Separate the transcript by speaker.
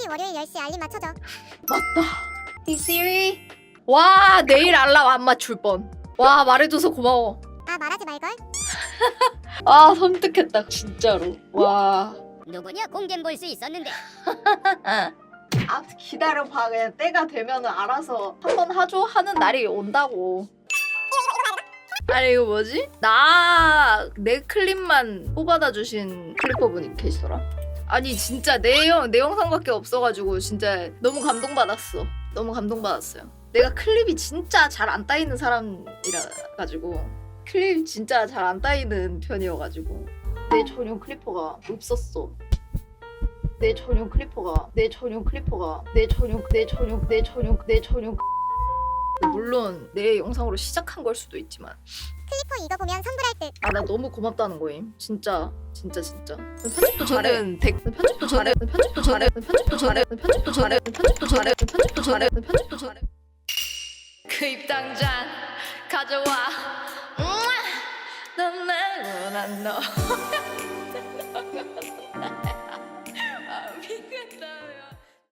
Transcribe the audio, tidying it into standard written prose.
Speaker 1: 특히 월요일 10시 알림 맞춰줘.
Speaker 2: 맞다. Hey Siri. 와 내일 알람 안 맞출 뻔. 와 말해줘서 고마워.
Speaker 1: 아 말하지 말걸.
Speaker 2: 아 섬뜩했다 진짜로. 와.
Speaker 3: 누구냐 공개 볼 수 있었는데.
Speaker 2: 아 기다려봐. 그냥 때가 되면은 알아서 한번 하죠 하는 날이 온다고. 아니 이거 뭐지? 나 내 클립만 뽑아다 주신 클리퍼분이 계시더라. 아니 진짜 내 영상밖에 없어가지고 진짜 너무 감동받았어. 너무 감동받았어요. 내가 클립이 진짜 잘 안 따이는 사람이라 가지고 클립 진짜 잘 안 따이는 편이어가지고 내 전용 클리퍼가 없었어. 내 전용 클리퍼가 물론 내 영상으로 시작한 걸 수도 있지만
Speaker 1: 클리퍼 이거 보면 선물할 듯.
Speaker 2: 아 나 너무 고맙다는 거임. 진짜. 편집도 잘해. 편집도 잘해. 그 입당장 가져와. 넌 말고 난 너.